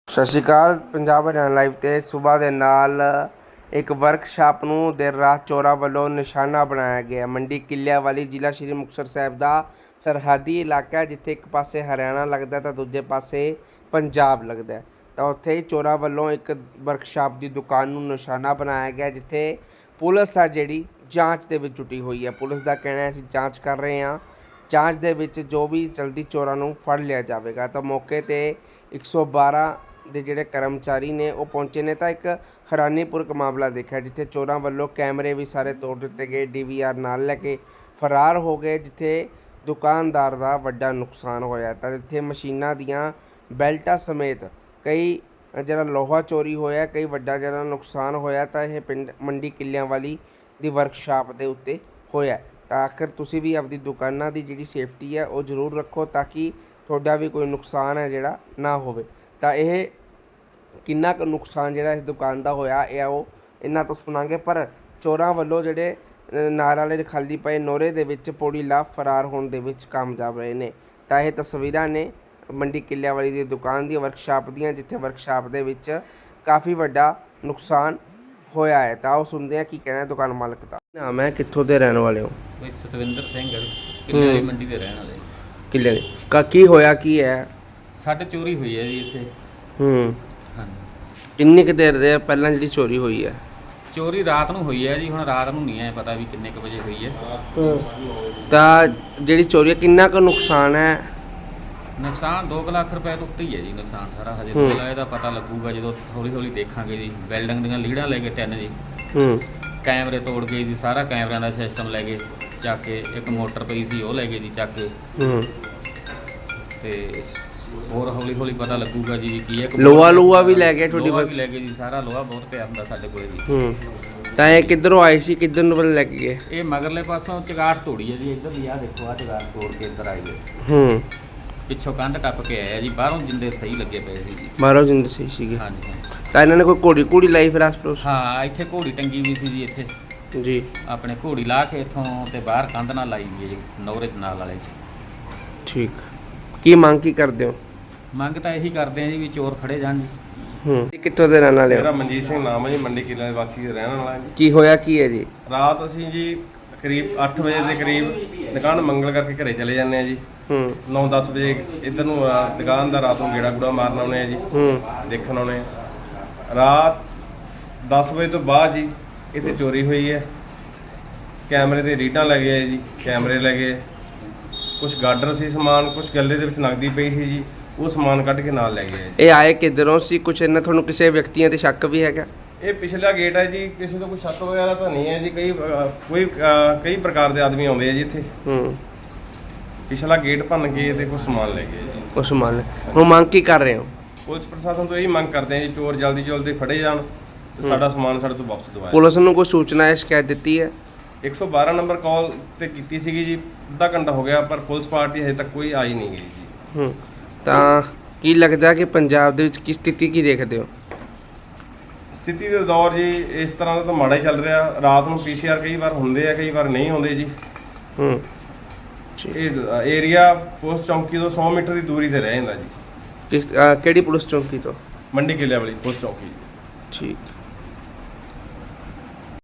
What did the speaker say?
ਸਤਿ ਸ਼੍ਰੀ ਅਕਾਲ। ਪੰਜਾਬ ਹਰਿਆਣਾ ਲਾਈਵ 'ਤੇ ਸੂਬਾ ਦੇ ਨਾਲ ਇੱਕ ਵਰਕਸ਼ਾਪ ਨੂੰ ਦੇਰ ਰਾਤ ਚੋਰਾਂ ਵੱਲੋਂ ਨਿਸ਼ਾਨਾ ਬਣਾਇਆ ਗਿਆ। ਮੰਡੀ ਕਿੱਲਿਆਂ ਵਾਲੀ ਜ਼ਿਲ੍ਹਾ ਸ਼੍ਰੀ ਮੁਕਤਸਰ ਸਾਹਿਬ ਦਾ ਸਰਹੱਦੀ ਇਲਾਕਾ, ਜਿੱਥੇ ਇੱਕ ਪਾਸੇ ਹਰਿਆਣਾ ਲੱਗਦਾ ਤਾਂ ਦੂਜੇ ਪਾਸੇ ਪੰਜਾਬ ਲੱਗਦਾ, ਤਾਂ ਉੱਥੇ ਹੀ ਚੋਰਾਂ ਵੱਲੋਂ ਇੱਕ ਵਰਕਸ਼ਾਪ ਦੀ ਦੁਕਾਨ ਨੂੰ ਨਿਸ਼ਾਨਾ ਬਣਾਇਆ ਗਿਆ, ਜਿੱਥੇ ਪੁਲਿਸ ਆ ਜਿਹੜੀ ਜਾਂਚ ਦੇ ਵਿੱਚ ਜੁਟੀ ਹੋਈ ਹੈ। ਪੁਲਿਸ ਦਾ ਕਹਿਣਾ ਹੈ ਅਸੀਂ ਜਾਂਚ ਕਰ ਰਹੇ ਹਾਂ, ਜਾਂਚ ਦੇ ਵਿੱਚ ਜੋ ਵੀ ਜਲਦੀ ਚੋਰਾਂ ਨੂੰ ਫੜ ਲਿਆ ਜਾਵੇਗਾ। ਤਾਂ ਮੌਕੇ 'ਤੇ 112 ਦੇ ਜਿਹੜੇ ਕਰਮਚਾਰੀ ਨੇ ਉਹ ਪਹੁੰਚੇ ਨੇ, ਤਾਂ ਇੱਕ ਹੈਰਾਨੀਪੂਰਕ ਮਾਮਲਾ ਦੇਖਿਆ, ਜਿੱਥੇ ਚੋਰਾਂ ਵੱਲੋਂ ਕੈਮਰੇ ਵੀ ਸਾਰੇ ਤੋੜ ਦਿੱਤੇ ਗਏ, DVR ਨਾਲ ਲੈ ਕੇ ਫਰਾਰ ਹੋ ਗਏ, ਜਿੱਥੇ ਦੁਕਾਨਦਾਰ ਦਾ ਵੱਡਾ ਨੁਕਸਾਨ ਹੋਇਆ। ਤਾਂ ਇੱਥੇ ਮਸ਼ੀਨਾਂ ਦੀਆਂ ਬੈਲਟਾਂ ਸਮੇਤ ਕਈ ਜਿਹੜਾ ਲੋਹਾ ਚੋਰੀ ਹੋਇਆ, ਕਈ ਵੱਡਾ ਜਿਹੜਾ ਨੁਕਸਾਨ ਹੋਇਆ। ਤਾਂ ਇਹ ਪਿੰਡ ਮੰਡੀ ਕਿੱਲਿਆਂ ਵਾਲੀ ਦੀ ਵਰਕਸ਼ਾਪ ਦੇ ਉੱਤੇ ਹੋਇਆ। ਤਾਂ ਆਖਿਰ ਤੁਸੀਂ ਵੀ ਆਪਦੀ ਦੁਕਾਨਾਂ ਦੀ ਜਿਹੜੀ ਸੇਫਟੀ ਹੈ ਉਹ ਜ਼ਰੂਰ ਰੱਖੋ, ਤਾਂ ਕਿ ਤੁਹਾਡਾ ਵੀ ਕੋਈ ਨੁਕਸਾਨ ਹੈ ਜਿਹੜਾ ਨਾ ਹੋਵੇ। ਤਾਂ ਇਹ ਕਿੰਨਾ ਕੁ ਨੁਕਸਾਨ ਜਿਹੜਾ ਇਸ ਦੁਕਾਨ ਦਾ ਹੋਇਆ, ਇਹ ਉਹ ਇਹਨਾਂ ਤੋਂ ਸੁਣਾਂਗੇ। ਪਰ ਚੋਰਾਂ ਵੱਲੋਂ ਜਿਹੜੇ ਨਾਰ ਵਾਲੇ ਖਾਲੀ ਪਏ ਨੋਰੇ ਦੇ ਵਿੱਚ ਪੌੜੀ ਲਾ ਫਰਾਰ ਹੋਣ ਦੇ ਵਿੱਚ ਕਾਮਯਾਬ ਰਹੇ ਨੇ। ਤਾਂ ਇਹ ਤਸਵੀਰਾਂ ਨੇ ਮੰਡੀ ਕਿੱਲਿਆਂ ਵਾਲੀ ਦੀ ਦੁਕਾਨ ਦੀ ਵਰਕਸ਼ਾਪ ਦੀਆਂ, ਜਿੱਥੇ ਵਰਕਸ਼ਾਪ ਦੇ ਵਿੱਚ ਕਾਫੀ ਵੱਡਾ ਨੁਕਸਾਨ ਹੋਇਆ ਹੈ। ਤਾਂ ਉਹ ਸੁਣਦੇ ਆ ਕੀ ਕਹਿਣਾ ਦੁਕਾਨ ਮਾਲਕ ਦਾ। ਨਾਮ ਹੈ, ਕਿੱਥੋਂ ਦੇ ਰਹਿਣ ਵਾਲੇ ਹੋ? ਸਤਵਿੰਦਰ ਸਿੰਘ ਕਿੱਲੇ ਵਾਲੀ ਮੰਡੀ ਦੇ ਰਹਿਣ ਵਾਲੇ। ਕਿੱਲੇ ਦੇ ਕੀ ਹੋਇਆ, ਕੀ ਹੈ? ਸਾਡੇ ਚੋਰੀ ਹੋਈ ਹੈ ਜੀ ਇੱਥੇ। ਹਾਂਜੀ। ਕਿੰਨੀ ਕੁ ਦੇਰ ਦੇ ਪਹਿਲਾਂ ਜਿਹੜੀ ਚੋਰੀ ਹੋਈ ਹੈ? ਚੋਰੀ ਰਾਤ ਨੂੰ ਹੋਈ ਹੈ ਜੀ, ਹੁਣ ਰਾਤ ਨੂੰ ਨਹੀਂ ਐ ਪਤਾ ਵੀ ਕਿੰਨੇ ਕੁ ਵਜੇ ਹੋਈ ਹੈ। ਤਾਂ ਜਿਹੜੀ ਚੋਰੀ ਹੈ ਕਿੰਨਾ ਕੁ ਨੁਕਸਾਨ ਹੈ? ਨੁਕਸਾਨ 2 ਲੱਖ ਰੁਪਏ ਤੋਂ ਉੱਤੇ ਹੀ ਹੈ ਜੀ ਨੁਕਸਾਨ ਸਾਰਾ। ਹਜੇ ਪਹਿਲਾਂ ਇਹਦਾ ਪਤਾ ਲੱਗੂਗਾ ਜਦੋਂ ਹੌਲੀ ਹੌਲੀ ਦੇਖਾਂਗੇ ਜੀ। ਬਿਲਡਿੰਗ ਦੀਆਂ ਲੀੜਾਂ ਲੈ ਕੇ 3 ਜੀ, ਕੈਮਰੇ ਤੋੜ ਗਏ ਜੀ, ਸਾਰਾ ਕੈਮਰਿਆਂ ਦਾ ਸਿਸਟਮ ਲੈ ਗਏ ਚੱਕ ਕੇ। ਇੱਕ ਮੋਟਰ ਪਈ ਸੀ ਉਹ ਲੈ ਗਏ ਜੀ ਚੱਕ ਕੇ। ਤੇ ਹੋਰ ਹੌਲੀ ਹੌਲੀ ਪਤਾ ਲੱਗੂਗਾ ਜੀ ਕੀ ਹੈ। ਲੋਹਾ ਵੀ ਲੈ ਗਏ ਤੁਹਾਡੀ? ਲੋਹਾ ਵੀ ਲੈ ਗਏ ਜੀ, ਸਾਰਾ ਲੋਹਾ ਬਹੁਤ ਪਿਆ ਹੁੰਦਾ ਸਾਡੇ ਕੋਲੇ ਜੀ। ਤਾਂ ਇਹ ਕਿੱਧਰੋਂ ਆਏ ਸੀ, ਕਿੱਧਰ ਨੂੰ ਲੈ ਕੇ ਗਏ? ਇਹ ਮਗਰਲੇ ਪਾਸੋਂ ਚਗਾਟ ਤੋੜੀ ਹੈ ਜੀ, ਇੱਧਰ ਦੀ ਆਹ ਦੇਖੋ, ਆਹ ਚਗਾਟ ਤੋੜ ਕੇ ਇੱਧਰ ਆਏ ਗਏ। ਪਿੱਛੋਂ ਕੰਧ ਟੱਪ ਕੇ ਆਇਆ ਜੀ। ਬਾਹਰੋਂ ਜਿੰਦੇ ਸਹੀ ਲੱਗੇ ਪਏ ਸੀ ਜੀ। ਬਾਹਰੋਂ ਜਿੰਦੇ ਸਹੀ ਸੀਗੇ? ਹਾਂਜੀ। ਤਾਂ ਇਹਨਾਂ ਨੇ ਕੋਈ ਘੋੜੀ ਲਾਈ ਫਿਰ ਆਸ-ਪਾਸ? ਹਾਂ, ਇੱਥੇ ਘੋੜੀ ਟੰਗੀ ਵੀ ਸੀ ਜੀ ਇੱਥੇ ਜੀ। ਆਪਣੇ ਘੋੜੀ ਲਾ ਕੇ ਇੱਥੋਂ ਤੇ ਬਾਹਰ ਕੰਧ ਨਾਲ ਲਾਈ ਵੀ ਹੈ ਜੀ, ਨੌਰੇ 'ਚ ਨਾਲ ਵਾਲੇ 'ਚ। ਠੀਕ। ਕੀ ਮੰਗ ਕੀ ਕਰਦੇ ਹੋ? ਮੰਗ ਤਾਂ ਇਹੀ ਕਰਦੇ ਆ ਜੀ ਵੀ ਚੋਰ ਫੜੇ ਜਾਣ ਜੀ। ਕਿੱਥੋਂ ਦੇ ਰਹਿਣ ਵਾਲੇ ਹੋ? ਮੇਰਾ ਮਨਜੀਤ ਸਿੰਘ ਨਾਮ ਹੈ ਜੀ, ਮੰਡੀ ਕਿੱਲਿਆਂ ਦੇ ਵਾਸੀ ਦੇ ਰਹਿਣ ਵਾਲਾ ਜੀ। ਕੀ ਹੋਇਆ, ਕੀ ਹੈ ਜੀ? ਰਾਤ ਅਸੀਂ ਜੀ ਕਰੀਬ 8 ਵਜੇ ਦੇ ਕਰੀਬ ਦੁਕਾਨ ਮੰਗਲ ਕਰਕੇ ਘਰੇ ਚਲੇ ਜਾਂਦੇ ਆ ਜੀ। 9-10 ਵਜੇ ਇੱਧਰ ਨੂੰ ਦੁਕਾਨ ਦਾ ਰਾਤ ਨੂੰ ਗੇੜਾ ਗੂੜਾ ਮਾਰਨ ਆਉਂਦੇ ਆ ਜੀ, ਦੇਖਣ ਆਉਂਦੇ ਆ। ਰਾਤ 10 ਵਜੇ ਤੋਂ ਬਾਅਦ ਜੀ ਇੱਥੇ ਚੋਰੀ ਹੋਈ ਹੈ। ਕੈਮਰੇ ਦੇ ਰੀਡਾਂ ਲੈ ਗਏ ਜੀ, ਕੈਮਰੇ ਲੈ ਗਏ, ਕੁਝ ਗਾਡਰ ਸੀ ਸਮਾਨ, ਕੁਝ ਗੱਲੇ ਦੇ ਵਿੱਚ ਨਕਦੀ ਪਈ ਸੀ ਜੀ, ਉਹ ਸਮਾਨ ਕੱਢ ਕੇ ਨਾਲ ਲੈ ਗਏ ਜੀ। ਇਹ ਆਏ ਕਿੱਧਰੋਂ ਸੀ? ਕੁਝ ਇਹਨਾਂ ਤੁਹਾਨੂੰ ਕਿਸੇ ਵਿਅਕਤੀਆਂ ਤੇ ਸ਼ੱਕ ਵੀ ਹੈਗਾ? ਇਹ ਪਿਛਲਾ ਗੇਟ ਹੈ ਜੀ, ਕਿਸੇ ਤੋਂ ਕੋਈ ਸ਼ੱਕ ਵਗੈਰਾ ਤਾਂ ਨਹੀਂ ਹੈ ਜੀ। ਕਈ ਪ੍ਰਕਾਰ ਦੇ ਆਦਮੀ ਆਉਂਦੇ ਆ ਜੀ ਇੱਥੇ। ਪਿਛਲਾ ਗੇਟ ਭੰਨ ਕੇ ਤੇ ਕੁਝ ਸਮਾਨ ਲੈ ਗਏ ਜੀ। ਉਹ ਸਮਾਨ ਹੁਣ ਮੰਗ ਕੀ ਕਰ ਰਹੇ ਹੋ? ਪੁਲਿਸ ਪ੍ਰਸ਼ਾਸਨ ਤੋਂ ਇਹੀ ਮੰਗ ਕਰਦੇ ਆ ਜੀ, ਚੋਰ ਜਲਦੀ ਜਲਦੀ ਫੜੇ ਜਾਣ ਤੇ ਸਾਡਾ ਸਮਾਨ ਸਾਡੇ ਤੋਂ ਵਾਪਸ ਦਿਵਾਇਆ। ਪੁਲਿਸ ਨੂੰ ਕੋਈ ਸੂਚਨਾ ਹੈ, ਸ਼ਿਕਾਇਤ ਦਿੱਤੀ ਹੈ? 112 ਨੰਬਰ ਕਾਲ ਤੇ ਕੀਤੀ ਸੀਗੀ ਜੀ, ਅੱਧਾ ਘੰਟਾ ਹੋ ਗਿਆ, ਪਰ ਪੁਲਿਸ ਪਾਰਟੀ ਹਜੇ ਤੱਕ ਕੋਈ ਆਈ ਨਹੀਂ ਗਈ ਜੀ। ਤਾਂ ਕੀ ਲੱਗਦਾ ਕਿ ਪੰਜਾਬ ਦੇ ਵਿੱਚ ਕੀ ਸਥਿਤੀ ਕੀ ਦੇਖਦੇ ਹੋ? ਸਥਿਤੀ ਦੇ ਦੌਰ ਜੀ ਇਸ ਤਰ੍ਹਾਂ ਦਾ ਤਾਂ ਮਾੜਾ ਹੀ ਚੱਲ ਰਿਹਾ। ਰਾਤ ਨੂੰ PCR ਕਈ ਵਾਰ ਹੁੰਦੇ ਆ, ਕਈ ਵਾਰ ਨਹੀਂ ਹੁੰਦੇ ਜੀ। ਇਹ ਏਰੀਆ ਪੁਲਿਸ ਚੌਂਕੀ ਤੋਂ 100 ਮੀਟਰ ਦੀ ਦੂਰੀ ਤੇ ਰਹਿ ਜਾਂਦਾ ਜੀ। ਕਿਹੜੀ ਪੁਲਿਸ ਚੌਂਕੀ ਤੋਂ? ਮੰਡੀ ਕਿੱਲਿਆਂ ਵਾਲੀ ਪੁਲਿਸ ਚੌਂਕੀ। ਠੀਕ।